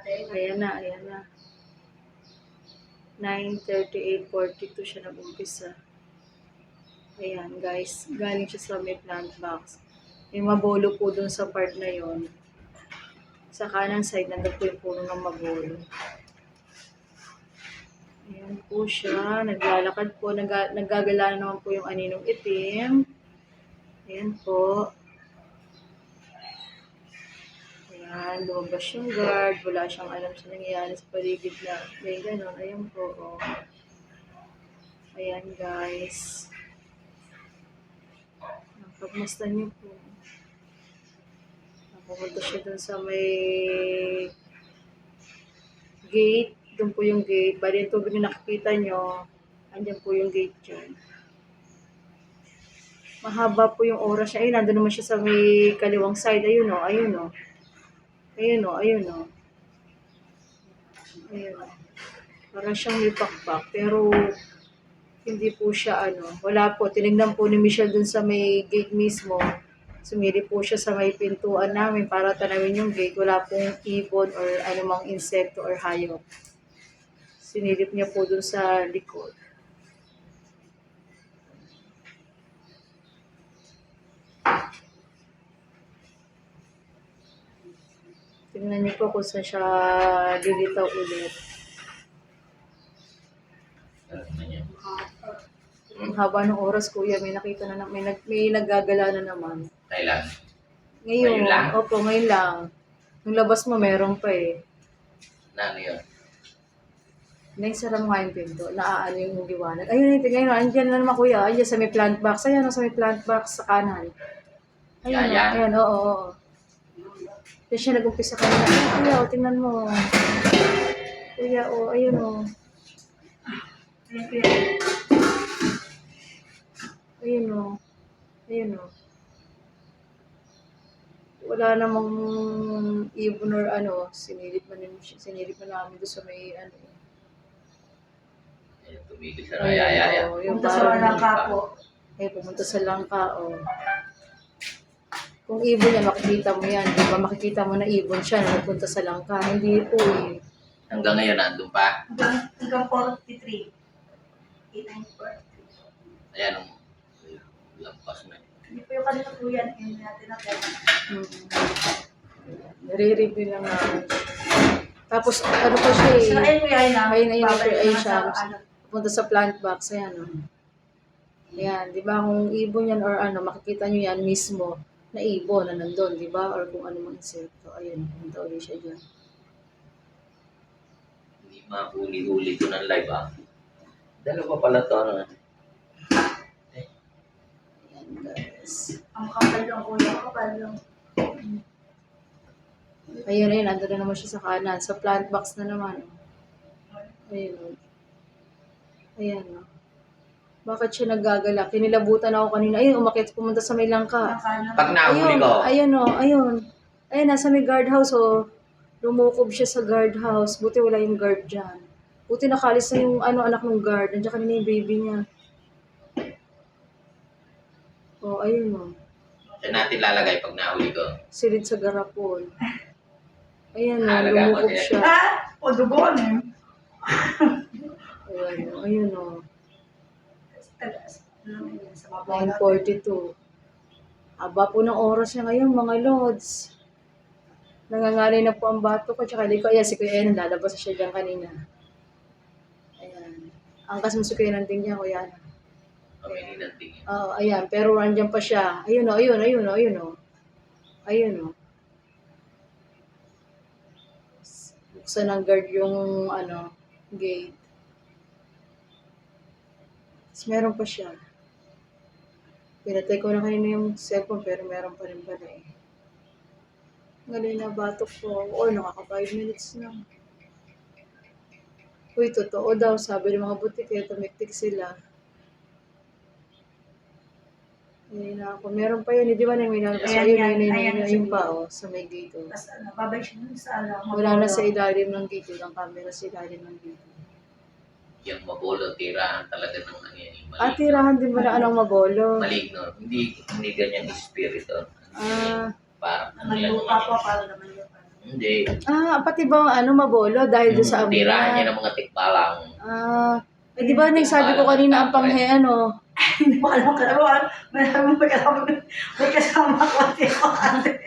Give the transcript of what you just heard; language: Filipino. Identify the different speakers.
Speaker 1: Ayan na, ayan na. 9:38:42 siya nag-umpisa. Ayan guys, galing siya sa may plant box. May mabolo po dun sa part na yon. Sa kanan side, nandun po yung puno ng mabolo. Ayan po siya, naglalakad po, naggagala naman po yung aninong itim. Ayan po. Ayan, lumabas yung guard, wala siyang alam sa nangyayari sa paligid na may gano'n. Ayan po, oh. Ayan guys. Pagmastan niyo po. Pupunta siya dun sa may gate. Doon po yung gate. Bali yung tubig na nakikita nyo, andyan po yung gate dyan. Mahaba po yung oras niya. Ayun, nandun naman siya sa may kaliwang side. Ayun o, ayun o. Ayun o, ayun o. Ayun o. Parang siyang may pakpak. Pero, hindi po siya ano. Wala po. Tinignan po ni Michelle dun sa may gate mismo. Sumili po siya sa may pintuan namin para tanawin yung gate. Wala pong ibon or anumang insekto or hayop. Sinilip niya po dun sa likod. Tingnan niyo po kung saan siya lilitaw ulit. Ang haba ng oras, kuya, may nakita na, may naggagala na naman.
Speaker 2: Kailan?
Speaker 1: Ngayon lang? Opo, ngayon lang. Nung labas mo, meron pa eh.
Speaker 2: Na ano yun?
Speaker 1: Naisara mo nga yung pinto, naaano yung liwanag. Ayun, ngayon, andyan na naman kuya, andyan sa may plant box. Ayan, sa may plant box sa kanan. Ayun, ayan, oo. Kaya siya nag-umpisa kanina. Ay, kuya, tingnan mo. Kuya, ayun o. Ayun, kuya. Ayun o. Ayun o. Wala namang ibon or ano, sinilip na namin doon sa may ano.
Speaker 2: Tumigil sa raya.
Speaker 1: Pumunta sa langka po. Pumunta sa langka, o. Kung ibon yan, makikita mo yan. Di ba makikita mo na ibon siya na nagpunta sa langka. Hindi po eh.
Speaker 2: Hanggang ngayon, nandun pa?
Speaker 3: Hanggang 43. 8943.
Speaker 2: Ayan, lampas na.
Speaker 3: Hindi po yung kanina po yan. Yung natin na pera.
Speaker 1: Nare-review lang namin. Tapos, ano pa siya eh.
Speaker 3: So, ayun
Speaker 1: Ayun siya. Punta sa plant box. Ayan o. Ayan, di ba kung ibon yan or ano, makikita nyo yan mismo na ibon na nandun, di ba? Or kung ano mang insekto. Ayun, punta ulit siya dyan.
Speaker 2: Hindi mahuli-huli ko ng live Dalawa pala to.
Speaker 1: Ayan guys.
Speaker 3: Ang kapal lang kuya, kapal lang.
Speaker 1: Ayun, nandun na naman siya sa kanan. Sa plant box na naman. Ayun. Ayan o. Bakit siya naggagala? Kinilabutan ako kanina. Ayun, umakit, pumunta sa may langka.
Speaker 2: Pag nahuli ko.
Speaker 1: Ayun o, ayun. Ayun, nasa may guardhouse o. Lumukob siya sa guardhouse. Buti wala yung guard dyan. Buti nakalis na yung anak ng guard. Nandiyan kanina yung baby niya. O, ayun o.
Speaker 2: Saan natin lalagay pag nahuli ko?
Speaker 1: Silid sa garapon. Ayun o, lumukob siya.
Speaker 3: O, dugon eh.
Speaker 1: Ayun o. 9:42. Aba po ng oras niya ngayon, mga lods. Nangangalay na po ang bato ko. Tsaka di ko, ayan, si Kuya Enan, lalabas siya dyan kanina. Ayan. Angkas mo si Kuya Enan din niya, Kuya Enan.
Speaker 2: Kami ninanting yun.
Speaker 1: Oo, ayan. Pero andyan pa siya. Ayun o, ayun o. Ayun o. Buksan ng guard yung, gate. Tapos meron pa siya. Pinatay ko na kanina yung cellphone pero meron pa rin pala eh. Ngayon na batok ko. Nakaka 5 minutes na. Uy, totoo daw. Sabi ng mga butik kaya tumiktik sila. Ngayon na ako. Meron pa yun. Di ba na may nalabas? Ayun pa sa may gate.
Speaker 3: Tapos babay siya dun sa
Speaker 1: Wala na sa ilalim ng gate. Walang camera sa ilalim ng gate.
Speaker 2: Yung mabolo, tirahan talaga ng ano yan.
Speaker 1: Tirahan din ba na anong mabolo?
Speaker 2: Maligno. Hindi ganyan espiritu.
Speaker 1: Ah.
Speaker 2: Parang
Speaker 3: Naman lupa po, parang naman lupa.
Speaker 2: Hindi.
Speaker 1: Pati ba ano mabolo dahil doon sa amoy
Speaker 2: Tirahan niya
Speaker 1: niya?
Speaker 2: ng mga tikbalang.
Speaker 1: Di ba nagsabi ko kanina ang panghe ano?
Speaker 3: Hindi mo alam ka naman. May kasama ko. Hindi ako ate.